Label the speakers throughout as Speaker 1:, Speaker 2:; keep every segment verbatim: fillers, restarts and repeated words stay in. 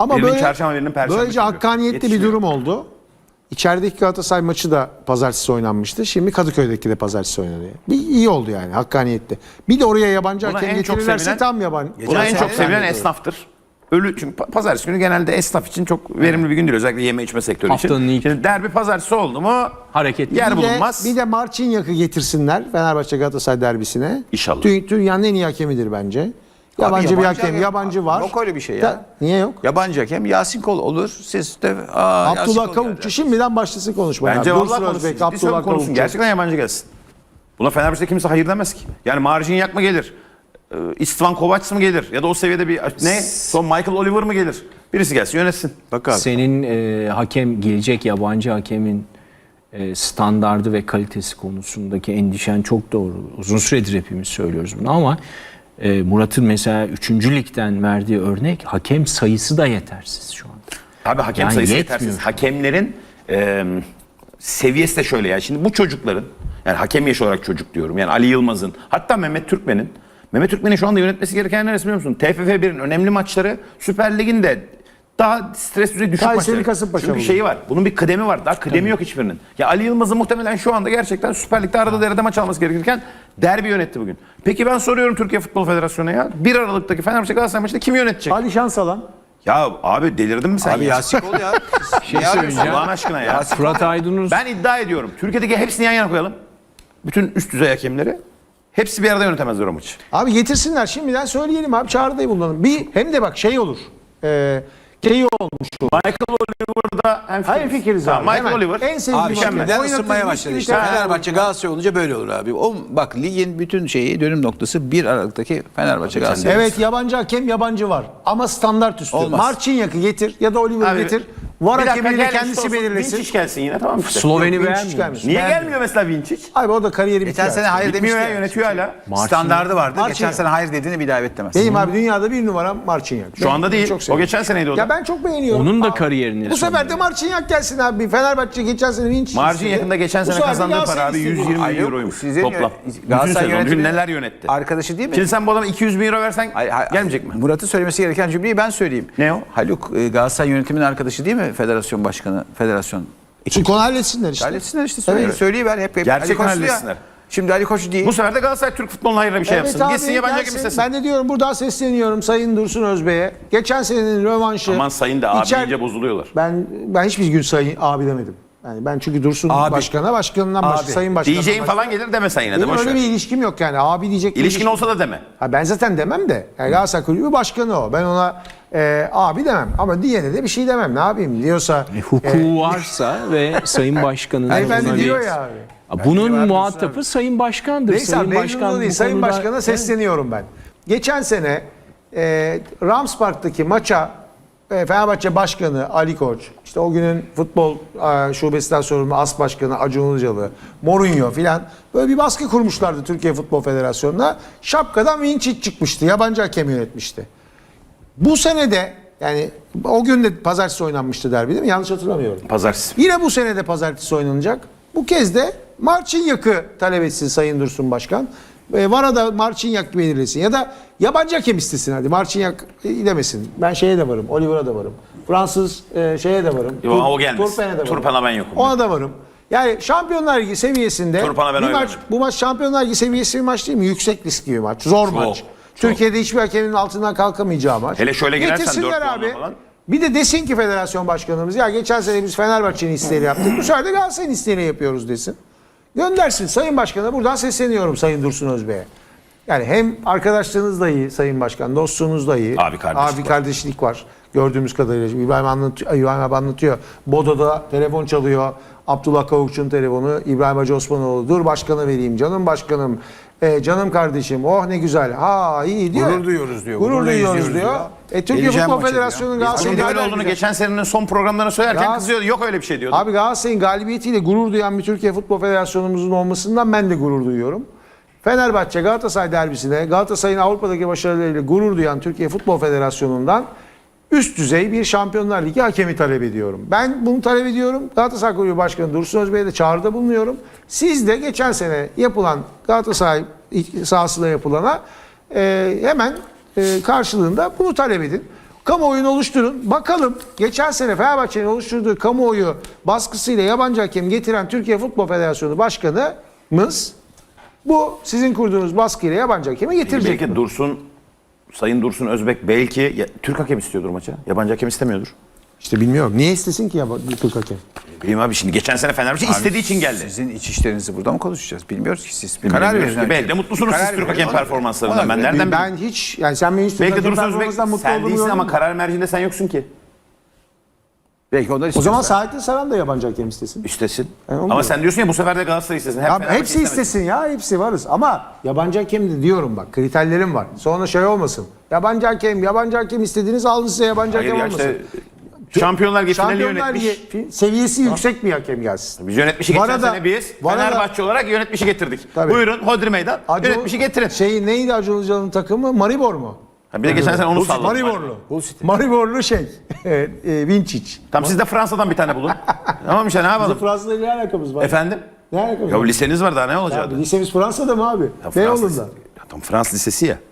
Speaker 1: Ama
Speaker 2: birinin
Speaker 1: böyle,
Speaker 2: çarşamba, birinin perşembe.
Speaker 1: böylece
Speaker 2: çünkü.
Speaker 1: hakkaniyetli bir durum oldu. İçerideki Galatasaray maçı da pazartesi oynanmıştı. Şimdi Kadıköy'deki de pazartesi oynanıyor. Bir iyi oldu yani hakkaniyetli. Bir de oraya yabancı
Speaker 2: Buna
Speaker 1: hakem
Speaker 2: en çok
Speaker 1: getirirlerse
Speaker 2: sevilen-
Speaker 1: tam yabancı.
Speaker 2: Buna en çok sevilen
Speaker 1: esnaf.
Speaker 2: esnaftır. Ölü çünkü pa- pazartesi günü genelde esnaf için çok verimli bir gün değil. Özellikle yeme içme sektörü
Speaker 3: Haftanın
Speaker 2: için.
Speaker 3: ilk-
Speaker 2: Şimdi derbi pazartesi oldu mu
Speaker 3: Hareketli.
Speaker 2: yer
Speaker 1: Bir de,
Speaker 2: bulunmaz.
Speaker 1: bir de Marçinyak'ı getirsinler Fenerbahçe Galatasaray derbisine.
Speaker 2: İnşallah.
Speaker 1: Dü- Dünyanın en iyi hakemidir bence. Yabancı, bir hakem, yabancı var.
Speaker 4: Yok öyle bir şey ya.
Speaker 1: Da- niye yok?
Speaker 4: Yabancı hakem Yasin Kol olur. Siz de aa, Yasin
Speaker 1: Abdullah
Speaker 4: Kol
Speaker 1: Kavukçu
Speaker 4: geldi.
Speaker 1: şimdiden başlasın konuşmaya.
Speaker 2: Bence
Speaker 1: Dursun
Speaker 2: vallahi konuşsun.
Speaker 1: Özbek,
Speaker 2: Ciddi söylüyorum,
Speaker 1: Abdullah
Speaker 2: konuşsun.
Speaker 1: Kavukçu.
Speaker 2: Gerçekten yabancı gelsin. Buna Fenerbahçe'de kimse hayır demez ki. Yani Marcin mı gelir? Ee, İstvan Kovacs mı gelir? Ya da o seviyede bir ne? Son Michael Oliver mı gelir? Birisi gelsin yönetsin.
Speaker 4: Bak abi.
Speaker 3: Senin e, hakem gelecek yabancı hakemin e, standardı ve kalitesi konusundaki endişen çok doğru. Uzun süredir hepimiz söylüyoruz bunu ama e, Murat'ın mesela üçüncü ligden verdiği örnek hakem sayısı da yetersiz şu anda.
Speaker 2: Abi hakem
Speaker 3: Yani
Speaker 2: sayısı
Speaker 3: yetmiyor
Speaker 2: yetersiz.
Speaker 3: şu an.
Speaker 2: Hakemlerin e, seviyesi de şöyle yani. Şimdi bu çocukların yani hakem yaşı olarak çocuk diyorum. Yani Ali Yılmaz'ın hatta Mehmet Türkmen'in Mehmet Türkmen'in şu anda yönetmesi gereken neresi biliyor musun? T F F bir'in önemli maçları Süper Lig'in de daha stres düzeyi düşük
Speaker 1: Kayseri,
Speaker 2: maçları.
Speaker 1: Kasımpaşa
Speaker 2: Çünkü
Speaker 1: bu.
Speaker 2: şeyi var. Bunun bir kıdemi var. Daha kıdemi yok hiçbirinin. Ya Ali Yılmaz'ın muhtemelen şu anda gerçekten Süper Lig'de arada derede maç alması gerekirken derbi yönetti bugün. Peki ben soruyorum Türkiye Futbol Federasyonu'na ya. bir Aralık'taki Fenerbahçe Galatasaray maçında kim yönetecek?
Speaker 1: Ali Şansalan.
Speaker 2: Ya abi delirdin mi sen
Speaker 4: Abi
Speaker 2: ya?
Speaker 4: Yasin Kol ya.
Speaker 3: Şey söyleyeceğim.
Speaker 2: Allah'ın aşkına ya.
Speaker 3: Fırat Aydınus
Speaker 2: Ben iddia ediyorum. Türkiye'deki hepsini yan yana koyalım. Bütün üst düzey hakemleri. Hepsi bir arada yönetemezler o maçı.
Speaker 1: Abi getirsinler şimdiden söyleyelim abi çağrıda bulunalım. Bir hem de bak şey olur. E, şey olmuş olur.
Speaker 2: Michael Oliver'da hem
Speaker 1: Hayır fikiriz abi.
Speaker 2: Michael
Speaker 1: Hemen.
Speaker 2: Oliver.
Speaker 1: En sevdiğim
Speaker 4: Abi
Speaker 1: hakem.
Speaker 4: şimdiden
Speaker 1: Oynatır,
Speaker 4: ısınmaya
Speaker 1: bir
Speaker 4: başladı
Speaker 1: sürü
Speaker 4: işte.
Speaker 1: şey-
Speaker 4: Fenerbahçe Galatasaray olunca böyle olur abi. O bak ligin bütün şeyi dönüm noktası bir Aralık'taki Fenerbahçe Galatasaray.
Speaker 1: Evet yabancı hakem yabancı var. Ama standart üstü.
Speaker 4: Olmaz.
Speaker 1: Marçinyak'ı getir ya da Oliver'ı
Speaker 2: Abi,
Speaker 1: getir. Var
Speaker 2: bir dakika,
Speaker 1: hakemini de
Speaker 2: gel
Speaker 1: kendisi
Speaker 2: işte olsun.
Speaker 1: belirlesin.
Speaker 2: Vinčić gelsin yine tamam işte.
Speaker 3: Sloveni
Speaker 1: Vinčić
Speaker 3: beğenmiyor.
Speaker 1: gelmiş.
Speaker 2: Niye
Speaker 1: Beğenmiyor.
Speaker 2: gelmiyor mesela Vinčić?
Speaker 1: Abi o da kariyeri
Speaker 4: Geçen
Speaker 1: bitiyor.
Speaker 4: sene hayır
Speaker 2: Bitmiyor
Speaker 4: demişti.
Speaker 2: ya, yönetiyor hala.
Speaker 4: Standardı vardı.
Speaker 1: Marçinyak.
Speaker 4: Geçen sene hayır dediğini bir daha evet demez.
Speaker 1: Benim abi dünyada bir numaram Marçinyak.
Speaker 2: Şu
Speaker 1: Ben
Speaker 2: anda
Speaker 1: bunu
Speaker 2: değil.
Speaker 1: çok
Speaker 2: O
Speaker 1: seviyorum.
Speaker 2: geçen seneydi o da.
Speaker 1: Ya ben çok beğeniyorum.
Speaker 3: Onun da
Speaker 1: Abi,
Speaker 3: kariyerini
Speaker 1: Bu sefer de Marçinyak gelsin abi. Fenerbahçe geçen sene Vinç.
Speaker 2: Marcin yakında geçen sene kazandığı para abi yüz yirmi
Speaker 4: Ay
Speaker 2: bin
Speaker 4: yok,
Speaker 2: euroymuş
Speaker 4: sizin
Speaker 2: toplam.
Speaker 4: yö-
Speaker 2: Bütün
Speaker 4: Galatasaray
Speaker 2: sezon
Speaker 4: yönetimi-
Speaker 2: neler yönetti.
Speaker 4: Arkadaşı değil mi?
Speaker 2: Şimdi sen bu adama iki yüz bin euro versen
Speaker 4: Hayır, hayır,
Speaker 2: gelmeyecek mi?
Speaker 4: Murat'ın söylemesi gereken cümleyi ben söyleyeyim.
Speaker 2: Ne o?
Speaker 4: Haluk e, Galatasaray yönetiminin arkadaşı değil mi? Federasyon başkanı, federasyon.
Speaker 1: Çünkü konu halletsinler işte.
Speaker 4: Halletsinler işte söyle,
Speaker 1: Evet.
Speaker 4: söyleyiver hep. hep.
Speaker 2: Gerçekten
Speaker 4: Ali Koç ya.
Speaker 2: halletsinler.
Speaker 4: Şimdi Ali Koç değil.
Speaker 2: Bu sefer de Galatasaray Türk futboluna hayırlı bir şey
Speaker 1: Evet
Speaker 2: yapsın.
Speaker 1: abi,
Speaker 2: Gitsin yabancı hakem
Speaker 1: gelsin.
Speaker 2: istesin.
Speaker 1: Ben de diyorum buradan sesleniyorum Sayın Dursun Özbey'e. Geçen senenin rövanşı.
Speaker 2: Aman sayın da abi
Speaker 1: İçer-
Speaker 2: iyice bozuluyorlar.
Speaker 1: Ben ben hiçbir gün sayın abi demedim. Yani ben çünkü Dursun
Speaker 4: Abi.
Speaker 1: başkana, başkanından başka,
Speaker 4: Abi.
Speaker 1: sayın başkanından
Speaker 2: Diyeceğin
Speaker 1: başka.
Speaker 2: falan gelir deme sen yine de
Speaker 1: Benim
Speaker 2: boş
Speaker 1: öyle
Speaker 2: ver.
Speaker 1: bir ilişkim yok yani. Abi diyecek bir
Speaker 2: İlişkin
Speaker 1: ilişkim-
Speaker 2: olsa da deme.
Speaker 1: Ha ben zaten demem de. Yani Galatasaray Kulübü başkanı o. Ben ona e, abi demem. Ama diyene de bir şey demem. Ne yapayım diyorsa.
Speaker 3: E, hukuku varsa ve Sayın Başkan'ın
Speaker 1: Beyefendi
Speaker 3: ona bir-
Speaker 1: diyor ya abi.
Speaker 3: Bunun
Speaker 4: Bence
Speaker 3: muhatabı Sayın Başkan'dır.
Speaker 1: Neyse
Speaker 3: Sayın
Speaker 1: abi,
Speaker 3: Başkan
Speaker 1: değil.
Speaker 3: bu
Speaker 1: Sayın
Speaker 3: konuda-
Speaker 1: Başkan'a sesleniyorum ben. Geçen sene e, Rams Park'taki maça e, Fenerbahçe Başkanı Ali Koç, işte o günün futbol e, şubesinden sorumlu As Başkanı Acun Ilıcalı, Mourinho filan böyle bir baskı kurmuşlardı Türkiye Futbol Federasyonu'na. Şapkadan Vinčić çıkmıştı. Yabancı hakem yönetmişti. Bu sene de yani o gün de pazartesi oynanmıştı derbi değil mi? Yanlış hatırlamıyorum.
Speaker 2: Pazartesi.
Speaker 1: Yine bu sene de pazartesi oynanacak. Bu kez de Marçinyak'ı talep etsin Sayın Dursun Başkan. E, Vara da Marçinyak belirlesin. Ya da yabancı hakem istesin hadi. Marçinyak e, demesin. Ben şeye de varım. Oliver'a da varım. Fransız e, şeye de varım.
Speaker 2: Yo, o gelmez.
Speaker 1: Turpen'e de varım.
Speaker 2: Turpen'e ben yokum.
Speaker 1: Ona da varım. Yani Şampiyonlar Ligi seviyesinde
Speaker 2: Turpen'e ben
Speaker 1: bir
Speaker 2: oy
Speaker 1: maç,
Speaker 2: vermem.
Speaker 1: bu maç Şampiyonlar Ligi seviyesi bir maç değil mi? Yüksek riskli bir maç. Zor maç.
Speaker 2: çok.
Speaker 1: Türkiye'de hiçbir hakemin altından kalkamayacağı maç.
Speaker 2: Hele şöyle girersen
Speaker 1: Getirsinler
Speaker 2: dört puanla
Speaker 1: abi.
Speaker 2: falan.
Speaker 1: Bir de desin ki federasyon başkanımız ya geçen sene biz Fenerbahçe'nin isteğiyle yaptık. Bu sefer de Galatasaray'ın isteğiyle yapıyoruz desin. Göndersin. Sayın Başkan'a buradan sesleniyorum Sayın Dursun Özbey'e. Yani hem arkadaşlığınız da iyi Sayın Başkan, dostluğunuz da iyi.
Speaker 2: Abi kardeşlik
Speaker 1: Abi
Speaker 2: var.
Speaker 1: kardeşlik var. Gördüğümüz kadarıyla. Şimdi İbrahim anlatıyor, İbrahim abi anlatıyor. Bodo'da telefon çalıyor. Abdullah Kavukçu'nun telefonu. İbrahim Hacı Osmanoğlu. Dur başkanı vereyim. Canım başkanım. E, canım kardeşim. Oh ne güzel. Ha iyi diyor.
Speaker 4: Gurur duyuyoruz diyor.
Speaker 1: Gurur
Speaker 4: Gururla
Speaker 1: duyuyoruz
Speaker 4: izliyoruz
Speaker 1: diyor.
Speaker 4: diyor.
Speaker 1: E, Türkiye
Speaker 4: Geleceğim
Speaker 1: Futbol
Speaker 4: maçı diyor.
Speaker 1: Federasyonu'nun
Speaker 4: Biz
Speaker 2: Bunun
Speaker 1: Galatasaray'ın
Speaker 2: böyle
Speaker 1: galibiyetiyle-
Speaker 2: olduğunu geçen senenin son programlarına söylerken
Speaker 1: Ya-
Speaker 2: kızıyordu. Yok öyle bir şey diyordu.
Speaker 1: Abi Galatasaray'ın galibiyetiyle gurur duyan bir Türkiye Futbol Federasyonumuzun olmasından ben de gurur duyuyorum. Fenerbahçe Galatasaray derbisine Galatasaray'ın Avrupa'daki başarılarıyla gurur duyan Türkiye Futbol Federasyonu'ndan üst düzey bir Şampiyonlar Ligi hakemi talep ediyorum. Ben bunu talep ediyorum. Galatasaray Kulübü Başkanı Dursun Özbey'e de çağrıda bulunuyorum. Siz de geçen sene yapılan Galatasaray sahasında yapılana e, hemen e, karşılığında bunu talep edin. Kamuoyunu oluşturun. Bakalım geçen sene Fenerbahçe'nin oluşturduğu kamuoyu baskısıyla yabancı hakem getiren Türkiye Futbol Federasyonu Başkanımız bu sizin kurduğunuz baskıyla yabancı hakemi getirecek.
Speaker 2: Belki Dursun, Sayın Dursun Özbek belki ya, Türk hakem istiyordur maça. Yabancı hakem istemiyordur.
Speaker 1: İşte bilmiyorum. Niye istesin ki yabancı Türk hakem?
Speaker 2: Bileyim abi şimdi geçen sene Fenerbahçe istediği için geldi.
Speaker 4: Sizin iç işlerinizi burada mı konuşacağız? Bilmiyoruz ki siz.
Speaker 2: Karar
Speaker 4: Bilmiyoruz
Speaker 2: verin.
Speaker 4: ki.
Speaker 2: Belki de mutlusunuz
Speaker 4: Karar
Speaker 2: siz Türk
Speaker 4: verin.
Speaker 2: hakem
Speaker 4: Ona-
Speaker 2: performanslarından.
Speaker 4: ona
Speaker 2: Ben
Speaker 4: göre-
Speaker 2: nereden bileyim?
Speaker 1: Ben hiç yani sen benim hiç Türk
Speaker 2: Belki
Speaker 1: hakem
Speaker 2: Dursun Özbek
Speaker 1: performansından mutlu
Speaker 2: sen
Speaker 1: olduğumu
Speaker 2: değilsin ama
Speaker 1: görmedin.
Speaker 2: karar mercinde sen yoksun ki.
Speaker 4: Belki onlar
Speaker 1: O zaman
Speaker 4: istiyorsa.
Speaker 1: Saadettin Saran da yabancı hakem istesin.
Speaker 2: İstesin.
Speaker 1: onu
Speaker 2: Ama
Speaker 1: diyorum.
Speaker 2: sen diyorsun ya bu sefer de Galatasaray istesin. Hep
Speaker 1: Ya
Speaker 2: Fenerbahçe
Speaker 1: hepsi
Speaker 2: istemedi.
Speaker 1: istesin ya, hepsi varız. Ama yabancı hakem de diyorum bak, kriterlerim var. Sonra şey olmasın. Yabancı hakem, yabancı hakem istediğiniz alın size yabancı
Speaker 2: Hayır
Speaker 1: hakem
Speaker 2: ya
Speaker 1: olmasın.
Speaker 2: işte Şampiyonlar Ligi finali
Speaker 1: Şampiyonlar
Speaker 2: yönetmiş.
Speaker 1: Ligi seviyesi yüksek bir hakem gelsin.
Speaker 2: Biz yönetmişi geçen
Speaker 1: Varada-
Speaker 2: sene biz
Speaker 1: Varada-
Speaker 2: Fenerbahçe olarak yönetmişi getirdik.
Speaker 1: Tabii.
Speaker 2: Buyurun Hodri Meydan
Speaker 1: Acun-
Speaker 2: yönetmişi getirin.
Speaker 1: Şey neydi Acun Ilıcalı'nın takımı? Maribor mu?
Speaker 2: Ha, bir de geçen sene onu salladık.
Speaker 1: Mariborlu. Mariborlu şey. e, e, Vinčić.
Speaker 2: Tam siz de Fransa'dan bir tane bulun. Tamam işte ne
Speaker 1: Bizim
Speaker 2: yapalım?
Speaker 1: Fransa'da ne alakamız var?
Speaker 2: Efendim?
Speaker 1: Ne alakamız
Speaker 2: Ya
Speaker 1: var?
Speaker 2: liseniz var daha ne
Speaker 1: Ya,
Speaker 2: olacaktı?
Speaker 1: lisemiz Fransa'da mı abi?
Speaker 2: Ya
Speaker 1: Beyoğlu'nda.
Speaker 2: Fransız- Ya tam Fransız lisesi ya.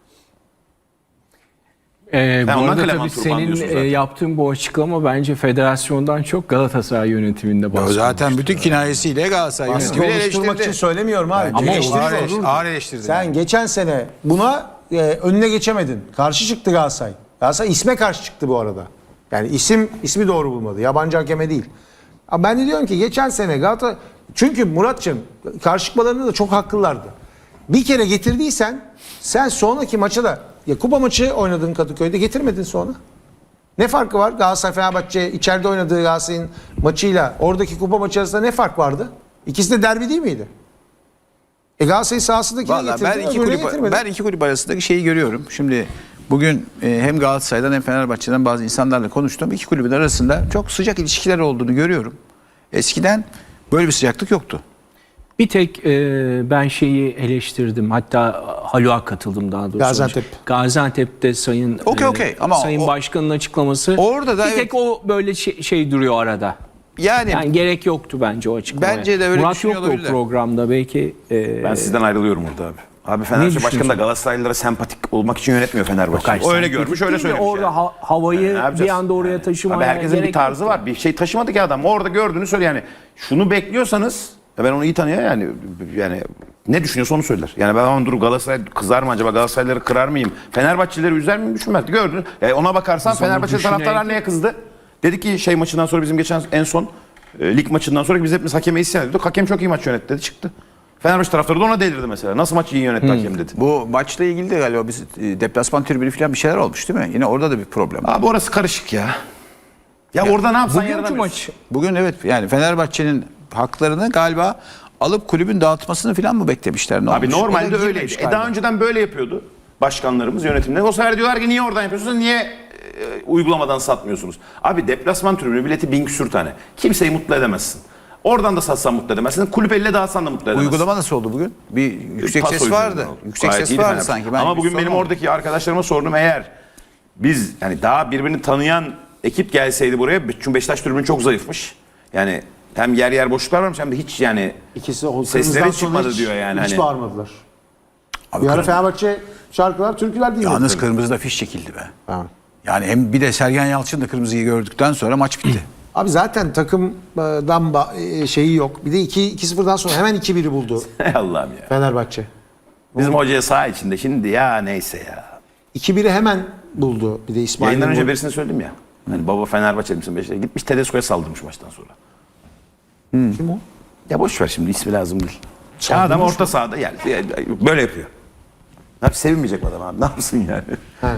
Speaker 3: Ee,
Speaker 2: Ben
Speaker 3: bu
Speaker 2: ondan
Speaker 3: arada
Speaker 2: Clement
Speaker 3: tabii
Speaker 2: Turban
Speaker 3: senin
Speaker 2: diyorsun
Speaker 3: e,
Speaker 2: zaten.
Speaker 3: yaptığın bu açıklama bence federasyondan çok Galatasaray yönetiminde
Speaker 4: O
Speaker 3: baskı.
Speaker 4: zaten bütün kinayesiyle Galatasaray
Speaker 1: Baskı
Speaker 4: yönetimi
Speaker 1: oluşturmak için
Speaker 4: eleştirdi.
Speaker 1: söylemiyorum abi.
Speaker 4: Ama
Speaker 1: Eleştiri
Speaker 4: ağır,
Speaker 1: olur.
Speaker 4: eleştirdi. ağır eleştirdi.
Speaker 1: Sen geçen sene buna e, önüne geçemedin. Karşı çıktı Galatasaray. Galatasaray isme karşı çıktı bu arada. Yani isim ismi doğru bulmadı. Yabancı hakeme değil. Ama ben de diyorum ki geçen sene Galatasaray... Çünkü Muratçım karşı çıkmalarında da çok haklılardı. Bir kere getirdiysen sen sonraki maça da... Ya kupa maçı oynadığın Kadıköy'de getirmedin sonra. Ne farkı var? Galatasaray Fenerbahçe içeride oynadığı Galatasaray'ın maçıyla oradaki kupa maçı arasında ne fark vardı? İkisi de derbi değil miydi? E Galatasaray sahasındakini
Speaker 4: Vallahi
Speaker 1: getirdin,
Speaker 4: ben iki
Speaker 1: öbürünü
Speaker 4: kulüp
Speaker 1: getirmedin.
Speaker 4: ben iki kulüp arasındaki şeyi görüyorum. Şimdi bugün e, hem Galatasaray'dan hem Fenerbahçe'den bazı insanlarla konuştum. İki kulübün arasında çok sıcak ilişkiler olduğunu görüyorum. Eskiden böyle bir sıcaklık yoktu.
Speaker 3: Bir tek e, ben şeyi eleştirdim. Hatta Haluk'a katıldım daha doğrusu.
Speaker 1: Gaziantep.
Speaker 3: Gaziantep'te Sayın
Speaker 4: Okey,
Speaker 3: e,
Speaker 4: okey. Ama
Speaker 3: Sayın
Speaker 4: o-
Speaker 3: Başkan'ın açıklaması.
Speaker 4: Orada da
Speaker 3: bir
Speaker 4: evet.
Speaker 3: tek o böyle şey, şey duruyor arada.
Speaker 4: Yani,
Speaker 3: Yani gerek yoktu bence o açıklamaya.
Speaker 4: Bence de öyle
Speaker 3: Murat
Speaker 4: düşünüyor
Speaker 3: yoktu o
Speaker 4: olabilirler.
Speaker 3: programda belki. e,
Speaker 2: Ben sizden ayrılıyorum orada abi. Abi Fenerbahçe Başkanı da
Speaker 3: düşünüyorsun?
Speaker 2: Galatasaraylılara sempatik olmak için yönetmiyor Fenerbahçe.
Speaker 3: Hayır,
Speaker 2: O öyle
Speaker 3: sen
Speaker 2: görmüş
Speaker 3: değil
Speaker 2: öyle
Speaker 3: de
Speaker 2: söylemiş.
Speaker 3: Orada
Speaker 2: yani.
Speaker 3: ha- havayı
Speaker 2: Ne
Speaker 3: bir
Speaker 2: yapacağız?
Speaker 3: anda oraya
Speaker 2: Yani.
Speaker 3: taşımaya
Speaker 2: Abi herkesin bir
Speaker 3: gerek
Speaker 2: tarzı
Speaker 3: yok.
Speaker 2: var. Bir şey taşımadı ki adam. Orada gördüğünü söyle yani. Şunu bekliyorsanız ya ben onu iyi tanıyorum yani. Yani ne düşünüyorsa onu söyler. Yani ben aman dur Galatasaray kızar mı acaba? Galatasaraylıları kırar mıyım? Fenerbahçelileri üzer miyim düşünmez. Gördün. Yani ona bakarsan
Speaker 3: Biz onu
Speaker 2: Fenerbahçe taraftarlar
Speaker 3: düşünerek-
Speaker 2: neye kızdı? Dedi ki şey maçından sonra bizim geçen en son e, lig maçından sonra biz hepimiz hakeme isyan ediyorduk. Hakem çok iyi maç yönetti dedi çıktı. Fenerbahçe taraftarı da ona delirdi mesela. Nasıl maçı iyi yönetti hakem dedi.
Speaker 4: bu maçla ilgili de galiba biz e, deplasman tribünü falan bir şeyler olmuş değil mi? Yine orada da bir problem.
Speaker 2: Abi orası karışık ya. Ya, orada ne yapsan
Speaker 3: Bugünkü
Speaker 2: yaranamıyorsun.
Speaker 3: maç
Speaker 4: Bugün evet yani Fenerbahçe'nin haklarını galiba alıp kulübün dağıtmasını falan mı beklemişler? Ne
Speaker 2: Abi
Speaker 4: olmuş? O da
Speaker 2: normalde
Speaker 4: girmemiş
Speaker 2: öyleydi. E
Speaker 4: galiba.
Speaker 2: daha önceden böyle yapıyordu başkanlarımız, yönetimler. O sefer diyorlar ki niye oradan yapıyorsunuz, niye e, uygulamadan satmıyorsunuz? Abi deplasman tribünü bileti bin küsür tane. Kimseyi mutlu edemezsin. Oradan da satsan mutlu edemezsin. Kulüp elle dağıtsan da mutlu edemezsin.
Speaker 4: Uygulama nasıl oldu bugün? Bir yüksek
Speaker 2: Paso
Speaker 4: ses vardı.
Speaker 2: üzerinden oldu.
Speaker 4: Yüksek
Speaker 2: Gayet
Speaker 4: ses
Speaker 2: iyiydi
Speaker 4: vardı
Speaker 2: Fenerbahçe.
Speaker 4: sanki. Ben
Speaker 2: Ama
Speaker 4: bir
Speaker 2: bugün benim
Speaker 4: sormadım.
Speaker 2: oradaki arkadaşlarıma sordum, eğer biz yani daha birbirini tanıyan ekip gelseydi buraya, çünkü Beşiktaş tribünü çok zayıfmış. Yani hem yer yer boşluklar varmış hem de hiç yani
Speaker 1: İkisi o
Speaker 2: sesleri
Speaker 1: kırmızıdan sonra
Speaker 2: çıkmadı
Speaker 1: hiç-
Speaker 2: diyor yani.
Speaker 1: Hiç
Speaker 2: Hani.
Speaker 1: bağırmadılar.
Speaker 4: Abi
Speaker 1: Bir ara
Speaker 4: kırmızı-
Speaker 1: Fenerbahçe şarkılar, türküler dinledi.
Speaker 4: Yalnız kırmızıda fiş çekildi be.
Speaker 1: Ha.
Speaker 4: Yani hem bir de Sergen Yalçın da kırmızıyı gördükten sonra maç bitti.
Speaker 1: Abi zaten takımdan ba- e, şeyi yok. Bir de iki sıfırdan sonra hemen iki biri buldu
Speaker 2: Ey Allah'ım ya.
Speaker 1: Fenerbahçe.
Speaker 2: Bizim hocaya saha içinde şimdi ya neyse ya.
Speaker 1: iki biri hemen buldu. Bir de İsmail'in
Speaker 2: Yayından önce
Speaker 1: bu-
Speaker 2: birisine söyledim ya. Hani baba Fenerbahçeli misin Beşiktaş'a? Gitmiş Tedesco'ya saldırmış maçtan sonra.
Speaker 1: Kim o?
Speaker 2: Ya boş ver şimdi, ismi lazım değil. Ya adam orta sahada yani böyle yapıyor. Ne yapayım, sevinmeyecek mi adam abi? Ne yapsın yani?
Speaker 1: Ha.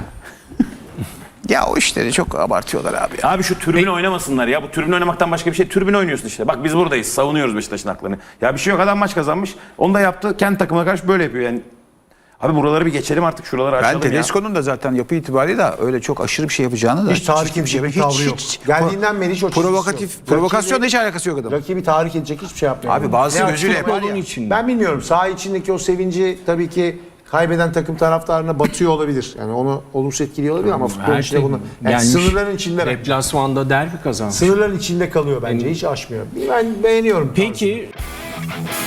Speaker 4: Ya o işleri çok abartıyorlar abi. Ya.
Speaker 2: Abi şu tribün oynamasınlar ya. Bu tribün oynamaktan başka bir şey. Tribün oynuyorsun işte. Bak biz buradayız. Savunuyoruz Beşiktaş'ın haklarını. Ya bir şey yok. Adam maç kazanmış. Onu da yaptı. Kendi takımına karşı böyle yapıyor yani. Abi buraları bir geçelim artık. Şuraları
Speaker 4: Ben
Speaker 2: açalım ya.
Speaker 4: Tedesco'nun da zaten yapı itibariyle da öyle çok aşırı bir şey yapacağını da
Speaker 1: Hiç tahrik
Speaker 4: çirkin
Speaker 1: edecek bir
Speaker 4: hiç-
Speaker 1: tavrı yok.
Speaker 4: hiç-
Speaker 1: Geldiğinden beri hiç o çizgisi
Speaker 4: provokatif,
Speaker 1: yok.
Speaker 4: provokasyonla
Speaker 1: Rakibi-
Speaker 4: hiç alakası yok adam.
Speaker 1: Rakibi tahrik edecek hiçbir şey yapmıyor.
Speaker 4: Abi bazı
Speaker 1: Ne
Speaker 4: gözüyle
Speaker 1: yaptı?
Speaker 4: yapar ya.
Speaker 3: içinde.
Speaker 1: Ben bilmiyorum. Saha içindeki o sevinci tabii ki kaybeden takım taraftarına batıyor olabilir. Yani onu olumsuz etkiliyor olabilir ama futbolun
Speaker 3: Her
Speaker 1: içinde
Speaker 3: şey
Speaker 1: bunu. Yani
Speaker 3: gelmiş.
Speaker 1: sınırların içinde.
Speaker 3: Deplasmanda derbi kazanmış.
Speaker 1: Sınırların içinde kalıyor bence. Hiç aşmıyor. Ben beğeniyorum. tarzını.
Speaker 3: Peki